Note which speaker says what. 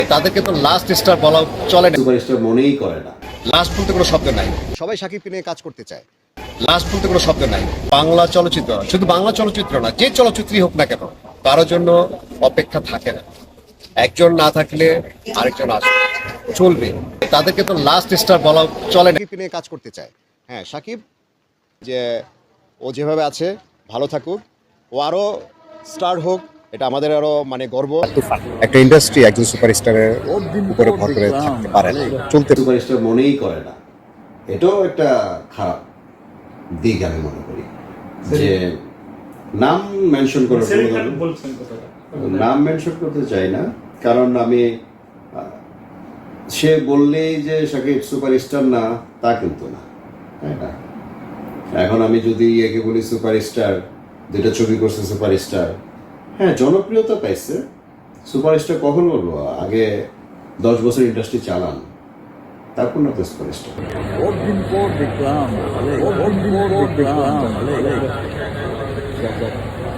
Speaker 1: তাদেরকে তো last star বলা চলে না,
Speaker 2: সুপারস্টার মনেই করে না।
Speaker 1: লাস্ট বলতে কোনো শব্দ নাই। সবাই শাকিবকে নিয়ে কাজ করতে চায়, লাস্ট বলতে কোনো শব্দ নাই। বাংলা চলচ্চিত্র, শুধু বাংলা চলচ্চিত্র না, যে চলচ্চিত্রই হোক না কেন, কারোর জন্য অপেক্ষা থাকে না। একজন না থাকলে আরেকজন আসবে, চলবে। তাদেরকে তো লাস্ট স্টার বলা চলে না। শাকিবকে নিয়ে কাজ করতে চায়। হ্যাঁ, শাকিব যে ও যেভাবে আছে ভালো থাকুক, ও আরো স্টার হোক, এটা আমাদের আরো মানে গর্ব। একটা ইন্ডাস্ট্রি একজন সুপারস্টারের উপরে ভর করে থাকতে পারে না, চলতে।
Speaker 2: সুপারস্টার মনেই করে না, এটাও একটা খারাপ দিক আমি মনে করি। যে নাম মেনশন করার নাম মেনশন করতে চাই না, কারণ আমি সে বললেই যে শাকিব সুপারস্টার না, তা কিন্তু না, তাই না? এখন আমি যদি একে বলি সুপারস্টার, যেটা ছবি করছে সুপারস্টার, হ্যাঁ জনপ্রিয়তা পাইছে, সুপারস্টার কখন বলবো? আগে 10 বছর ইন্ডাস্ট্রি চালান, তারপর না তো সুপারস্টার।
Speaker 3: দিন পর দেখলাম